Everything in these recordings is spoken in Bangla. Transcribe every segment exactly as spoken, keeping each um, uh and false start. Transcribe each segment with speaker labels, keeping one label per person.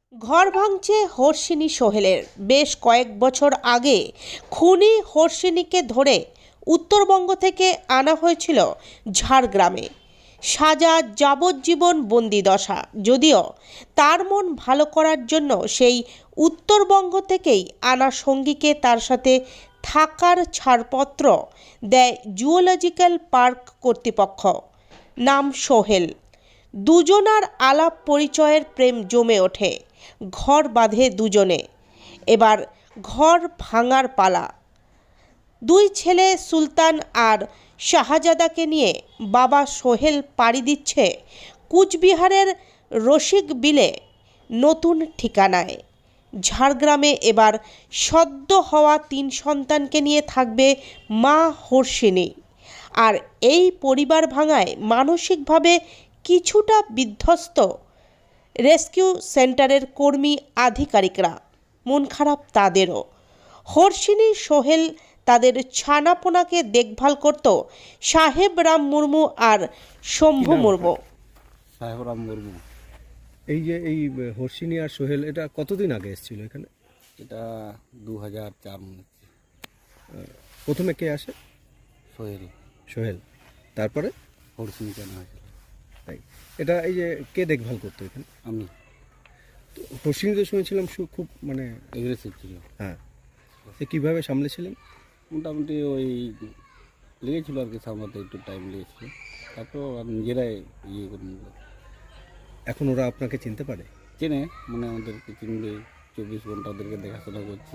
Speaker 1: ঘর ভাঙছে হর্ষিনী সোহেলের। বেশ কয়েক বছর আগে খুনি হর্ষিনীকে ধরে উত্তরবঙ্গ থেকে আনা হয়েছিল ঝাড়গ্রামে। সাজা যাবজ্জীবন বন্দিদশা। যদিও তার মন ভালো করার জন্য সেই উত্তরবঙ্গ থেকেই আনা সঙ্গীকে তার সাথে থাকার ছাড়পত্র দেয় জুওলজিক্যাল পার্ক কর্তৃপক্ষ। নাম সোহেল। দুজনার আলাপ পরিচয়ের প্রেম জমে ওঠে। ঘর বাঁধে দুজনে। এবার ঘর ভাঙার পালা। দুই ছেলে সুলতান আর শাহজাদাকে নিয়ে বাবা সোহেল পাড়ি দিচ্ছে কুচবিহারের রসিকবিলে নতুন ঠিকানায়। ঝাড়গ্রামে এবার সদ্য হওয়া তিন সন্তানকে নিয়ে থাকবে মা হর্ষিনী। আর এই পরিবার ভাঙায় মানসিকভাবে কিছুটা বিধ্বস্ত রেস্কিউ সেন্টারের কর্মী আধিকারিকরা। মন খারাপ তাদেরও। হর্ষিনী সোহেল তাদের ছানাপোনাকে দেখভাল করত সাহেব রাম মুর্মু আর শম্ভু মুর্মু।
Speaker 2: সাহেব রাম মুর্মু।
Speaker 3: এই যে এই হর্ষিনী আর সোহেল এটা কতদিন আগে এসেছিল এখানে?
Speaker 2: এটা দু হাজার চার মনে হচ্ছে।
Speaker 3: প্রথমে কে আসে?
Speaker 2: সোহেল।
Speaker 3: সোহেল। তারপরে
Speaker 2: হর্ষিনী কেনা হয়েছিল।
Speaker 3: তাই এটা এই যে কে দেখভাল করতো এখানে?
Speaker 2: আমি।
Speaker 3: তো হর্ষিনী তো শুনেছিলাম সু- খুব মানে
Speaker 2: এগ্রেসিভ ছিল।
Speaker 3: হ্যাঁ, সে কীভাবে সামলেছিলেন?
Speaker 2: মোটামুটি ওই লেগেছিল আর কি, সামলাতে একটু টাইম লেগেছিল। তারপর আর নিজেরাই ইয়ে করে নিল।
Speaker 3: এখন ওরা আপনাকে চিনতে পারে?
Speaker 2: চেনে, মানে আমাদেরকে চিনবে। চব্বিশ ঘন্টা ওদেরকে দেখাশোনা করছি।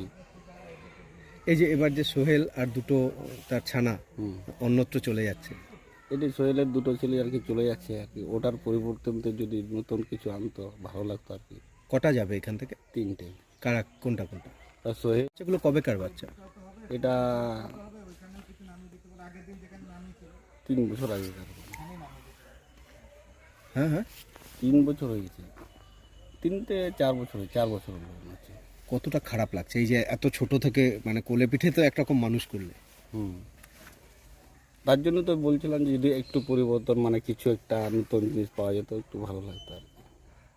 Speaker 3: এই যে এবার যে সোহেল আর দুটো তার ছানা
Speaker 2: হুম
Speaker 3: অন্যত্র চলে যাচ্ছে,
Speaker 2: এটি সোহেলের দুটো ছেলে আর কি চলে যাচ্ছে আর কি। ওটার পরিবর্তনতে যদি নতুন কিছু আনতো ভালো লাগতো আর কি।
Speaker 3: কটা যাবে এখান থেকে?
Speaker 2: তিনটে।
Speaker 3: কারা, কোনটা কোনটা?
Speaker 2: আর সোহেল
Speaker 3: সেগুলো কবেকার বাচ্চা?
Speaker 2: এটা তিন বছর আগে।
Speaker 3: হ্যাঁ হ্যাঁ,
Speaker 2: তিন বছর হয়ে গেছে। তিনটে চার বছর হয়ে চার বছর হলো মনে হচ্ছে।
Speaker 3: কতটা খারাপ লাগছে এই যে এত ছোট থেকে মানে কোলে পিঠে তো একরকম মানুষ করলে।
Speaker 2: হুম তার জন্য তো বলছিলাম যে যদি একটু পরিবর্তন, মানে কিছু একটা নতুন জিনিস পাওয়া যেত একটু ভালো লাগতো আর কি।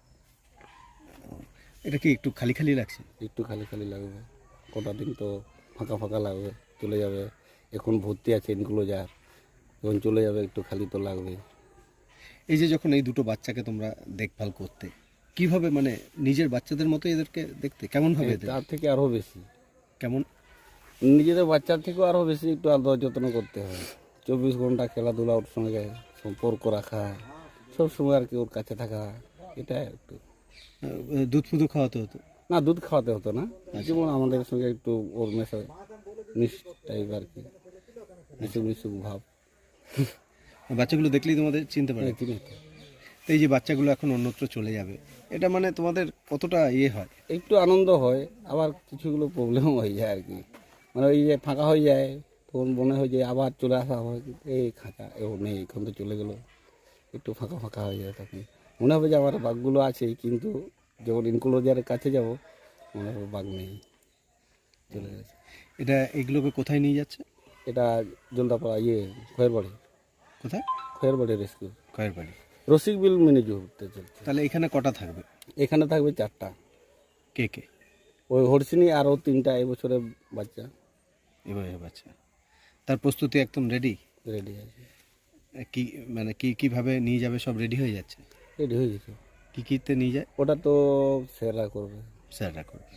Speaker 3: এটা কি একটু খালি খালি লাগছে?
Speaker 2: একটু খালি খালি লাগবে, কটা দিন তো ফাঁকা ফাঁকা লাগবে, চলে যাবে। এখন ভর্তি আছে এনক্লোজার, যখন চলে যাবে একটু খালি তো লাগবে।
Speaker 3: এই যে যখন এই দুটো বাচ্চাকে তোমরা দেখভাল করতে, কিভাবে মানে নিজের বাচ্চাদের মতো এদেরকে দেখতে? কেমন ভাবে এদের?
Speaker 2: তার থেকে আরও বেশি।
Speaker 3: কেমন?
Speaker 2: নিজেদের বাচ্চার থেকেও আরও বেশি একটু আদর যত্ন করতে হয়। চব্বিশ ঘন্টা খেলাধুলা ওর সঙ্গে সম্পর্ক রাখা, সব সময় আর কি ওর কাছে থাকা, এটা একটু।
Speaker 3: আহ, দুধ ফুদু খাওয়াতে হতো?
Speaker 2: না, দুধ খাওয়াতে হতো না, যেমন আমাদের সঙ্গে একটু ওর মেশা মিশ টাইপ আর কি, মিশুক মিশুক ভাব।
Speaker 3: বাচ্চাগুলো দেখলেই তোমাদের চিনতে পারে?
Speaker 2: চিনি তো।
Speaker 3: তো এই যে বাচ্চাগুলো এখন অন্যত্র চলে যাবে, এটা মানে তোমাদের কতটা ইয়ে হয়?
Speaker 2: একটু আনন্দ হয়, আবার কিছুগুলো প্রবলেমও হয়ে যায় আর কি। মানে ওই যে ফাঁকা হয়ে যায় তখন মনে হয় যে আবার চলে আসা হয়, এই খাঁচা এও নেই, এখন তো চলে গেলো, একটু ফাঁকা ফাঁকা হয়ে যায়। তখন মনে হবে যে আমার বাঘগুলো আছে, কিন্তু যখন ইনক্লোজারের কাছে যাব মনে হবে বাঘ নেই, চলে গেছে।
Speaker 3: এটা এগুলোকে কোথায় নিয়ে যাচ্ছে?
Speaker 2: এটা জলদাপাড়া ইয়ে খয়েরবাড়ি।
Speaker 3: কোথায়?
Speaker 2: Khayerbari rescue.
Speaker 3: Khayerbari.
Speaker 2: Rasikbil mini zoo ঘুরতে চলছে।
Speaker 3: তাহলে এখানে কটা থাকবে?
Speaker 2: এখানে থাকবে চারটা।
Speaker 3: কে কে?
Speaker 2: ওই হর্ষিনী আরও তিনটা এবছরের বাচ্চা
Speaker 3: এবারে বাচ্চা। তার প্রস্তুতি একদম রেডি?
Speaker 2: রেডি আছে।
Speaker 3: কি মানে কি কিভাবে নিয়ে যাবে সব রেডি হয়ে যাচ্ছে?
Speaker 2: রেডি হয়ে গেছে।
Speaker 3: কি কিতে নিয়ে যায়?
Speaker 2: ওটা তো স্যাররা করবে।
Speaker 3: স্যাররা করবে।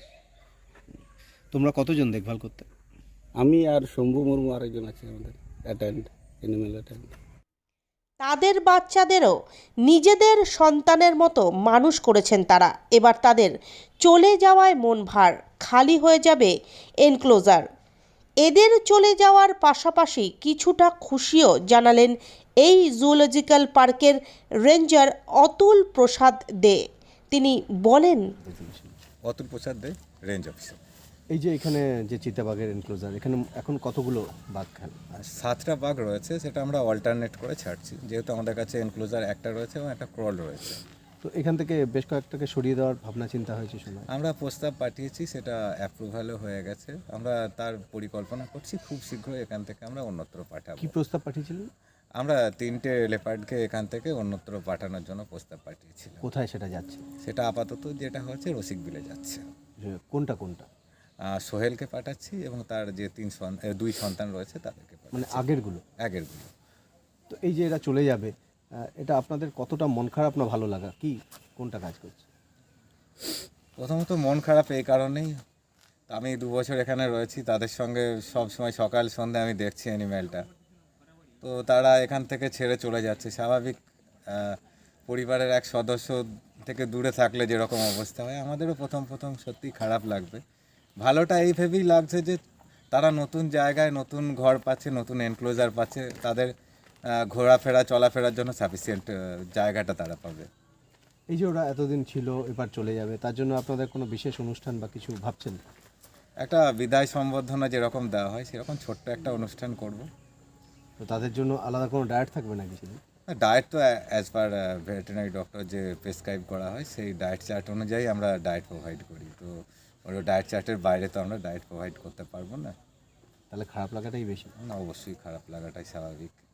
Speaker 3: তোমরা কতজন দেখভাল করতে?
Speaker 2: আমি আর শম্ভু মুর্মু আরেকজন আছে আমাদের অ্যাটেন্ড, অ্যানিমেল অ্যাটেন্ড।
Speaker 1: তাদের বাচ্চাদেরও নিজেদের সন্তানের মতো মানুষ করেছেন তারা। এবার তাদের চলে যাওয়ায় মন ভার, খালি হয়ে যাবে এনক্লোজার। এদের চলে যাওয়ার পাশাপাশি কিছুটা খুশিও জানালেন এই জুওলজিক্যাল পার্কের রেঞ্জার অতুল প্রসাদ দে। তিনি বলেন,
Speaker 4: অতুল প্রসাদ দে, রেঞ্জ অফিসার।
Speaker 3: এই যে এখানে যে চিতাবাঘের এনক্লোজার, এখানে এখন কতগুলো বাঘ খান?
Speaker 4: আর সাতটা বাঘ রয়েছে, সেটা আমরা অল্টারনেট করে ছাড়ছি, যেহেতু আমাদের কাছে এনক্লোজার একটা রয়েছে এবং একটা ক্রল রয়েছে।
Speaker 3: তো এখান থেকে বেশ কয়েকটাকে সরিয়ে দেওয়ার ভাবনা চিন্তা হয়েছে শোনা।
Speaker 4: আমরা প্রস্তাব পাঠিয়েছি, সেটা অ্যাপ্রুভালও হয়ে গেছে। আমরা তার পরিকল্পনা করছি, খুব শীঘ্রই এখান থেকে আমরা অন্যত্র পাঠাবো।
Speaker 3: কি প্রস্তাব পাঠিয়েছিলেন?
Speaker 4: আমরা তিনটে লেপার্ডকে এখান থেকে অন্যত্র পাঠানোর জন্য প্রস্তাব পাঠিয়েছিলাম।
Speaker 3: কোথায় সেটা যাচ্ছে?
Speaker 4: সেটা আপাতত যেটা হচ্ছে রসিক বিলে যাচ্ছে।
Speaker 3: যে কোনটা কোনটা
Speaker 4: আহ, সোহেলকে পাঠাচ্ছি এবং তার যে তিন সন- এ, দুই সন্তান রয়েছে তাদেরকে
Speaker 3: মানে
Speaker 4: পাঠাচ্ছি।
Speaker 3: আগেরগুলো?
Speaker 4: আগেরগুলো।
Speaker 3: তো এই যে এরা চলে যাবে, আহ, এটা আপনাদের কতটা মন খারাপ না ভালো লাগা, কি কোনটা কাজ করছে?
Speaker 4: প্রথমত মন খারাপ এই কারণেই, আমি দু বছর এখানে রয়েছি, তাদের সঙ্গে সব সময় সকাল সন্ধ্যা আমি দেখছি অ্যানিম্যালটা, তো তারা এখান থেকে ছেড়ে চলে যাচ্ছে। স্বাভাবিক আহ, পরিবারের এক সদস্য থেকে দূরে থাকলে যেরকম অবস্থা হয়, আমাদেরও প্রথম প্রথম সত্যি খারাপ লাগবে। ভালোটা এই ভেবেই লাগছে যে তারা নতুন জায়গায় নতুন ঘর পাচ্ছে, নতুন এনক্লোজার পাচ্ছে, তাদের আহ, ঘোরাফেরা চলাফেরার জন্য সাফিসিয়েন্ট জায়গাটা তারা পাবে।
Speaker 3: এই যে ওরা এতদিন ছিল এবার চলে যাবে, তার জন্য আপনাদের কোনো বিশেষ অনুষ্ঠান বা কিছু ভাবছেন?
Speaker 4: একটা বিদায় সম্বর্ধনা যেরকম দেওয়া হয় সেরকম ছোট্ট একটা অনুষ্ঠান করব।
Speaker 3: তো তাদের জন্য আলাদা কোনো ডায়েট থাকবে নাকি সেদিন?
Speaker 4: ডায়েট তো অ্যাজ পার ভেটেরিনারি ডক্টর যে প্রেসক্রাইব করা হয় সেই ডায়েট চার্ট অনুযায়ী আমরা ডায়েট প্রোভাইড করি। তো ওই ডায়েট চার্টের বাইরে তো আমরা ডায়েট প্রোভাইড করতে পারবো না।
Speaker 3: তাহলে খারাপ লাগাটাই বেশি।
Speaker 4: না, অবশ্যই খারাপ লাগাটাই স্বাভাবিক।